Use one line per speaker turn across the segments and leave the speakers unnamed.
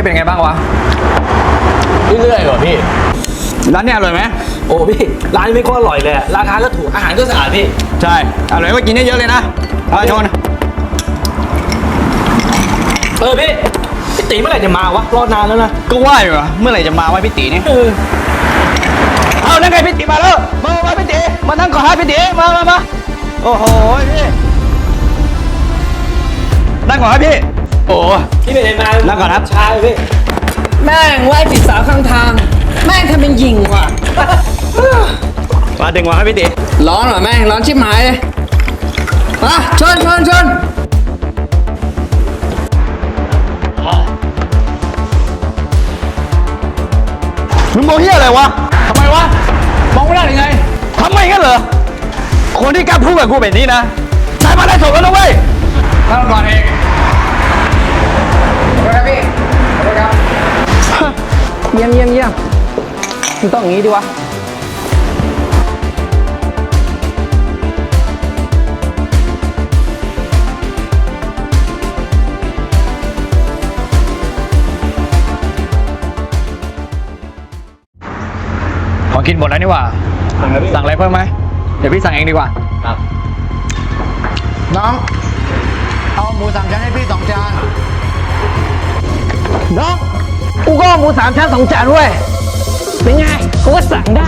เป็นไงบ้างวะ
เรื่อยๆก่อนพี่
ร้านเนี้ยอร่อยไหม
โอ้พี่ร้านนี้ไม่ก็อร่อยเลยราคาก็ถูกอาหารก็สะอาดพี่
ใช่อร่อยก็กินเยอะๆเลยนะมาชน
พี่ตีเมื่อไหร่จะมาวะรอนานแล้วนะ
ก็ว่าอยู่อะเมื่อไหร่จะมาวะพี่ตีนี่เอานั่นไงพี่ตีมาแล้วมาพี่ตีมานั่งก่อนฮะพี่ตีมาโอ้โหพี่นั่งก่อนครับพี่โอ้
พี่เป็นไงมา
นั่งก่อนครับ
ช้าเลยพี่
แม่งไหว้ผิดสาวข้างทาง แม่งทำเป็นหยิงว่ะ
มาดึงมาครับพี่ตี
ร้อนเหรอแม่งร้อนชิบหายเลยมาชน
มึงมองเฮียอะไรวะทำไมวะมองไม่ได้ยังไงทำไมงั้นเหรอคนที่กล้าพูดกับกูแบบนี้นะนายมาได้ถูกแล้วนะเว้ยนั่งก่อนเอง
เยี่ยมมึงต้องอย่างนี้ดิวะ
ของกินหมดแล้วนี่หว่าสั่งอะไรเพิ่มไหมเดี๋ยวพี่สั่งเองดีกว่า
ครับ
น้องเอาหมู3 ชั้นให้พี่2 จานน้องกูก็หมู3 ชั้น2 จานเว้ยเป็นไงกูก็สั่งได้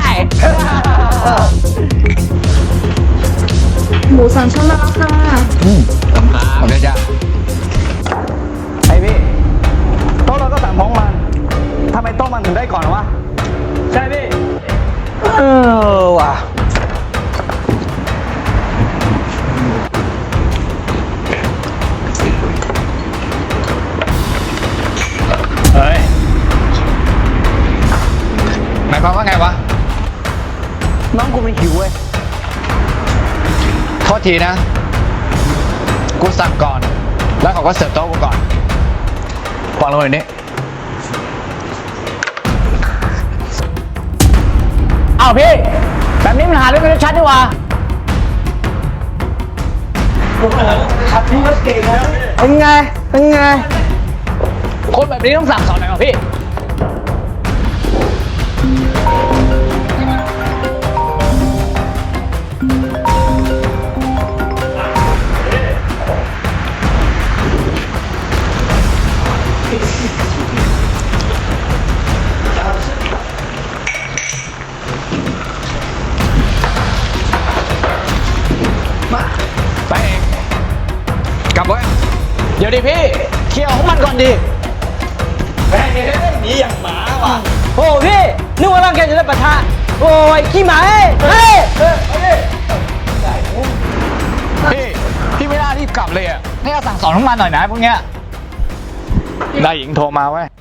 หมูสามชั้นแล้วค่ะ
โอเคจ้ะไอพี่โต๊ะเราก็สั่งพร้อมมันทำไมโต๊ะมันถึงได้ก่อนวะใช่พี่ว่ะเฮ้ยหมายความว่าไงวะน้องกูมันหิวเว้ยโทษทีนะกูสั่งก่อนแล้วเขาก็เสิร์ฟโต๊ะกูก่อนฟังลงหน่อยนี้อ้าวพี่แบบนี้มันหาเรื่องกันชัดดีว่า
ขับพี่ก็เก่งนะ
เป็นไงคนแบบนี้ต้องสั่งสอนหน่อยครับพี่ไปเองกลับไว้เดี๋ยวดิพี่เคลียร์ของมันก่อนดิ
แม่งหนีอย่างหมาว่ะ
โอ้พี่นึกว่าร่างแกจะได้ปะทะโอ้ยขี้หมาเฮ้ย
พี่ไม่น่ารีบกลับเลยอ่ะให้เราสั่งสอนของมันหน่อยนะพวกเนี้ยนายหญิงโทรมาเว้ย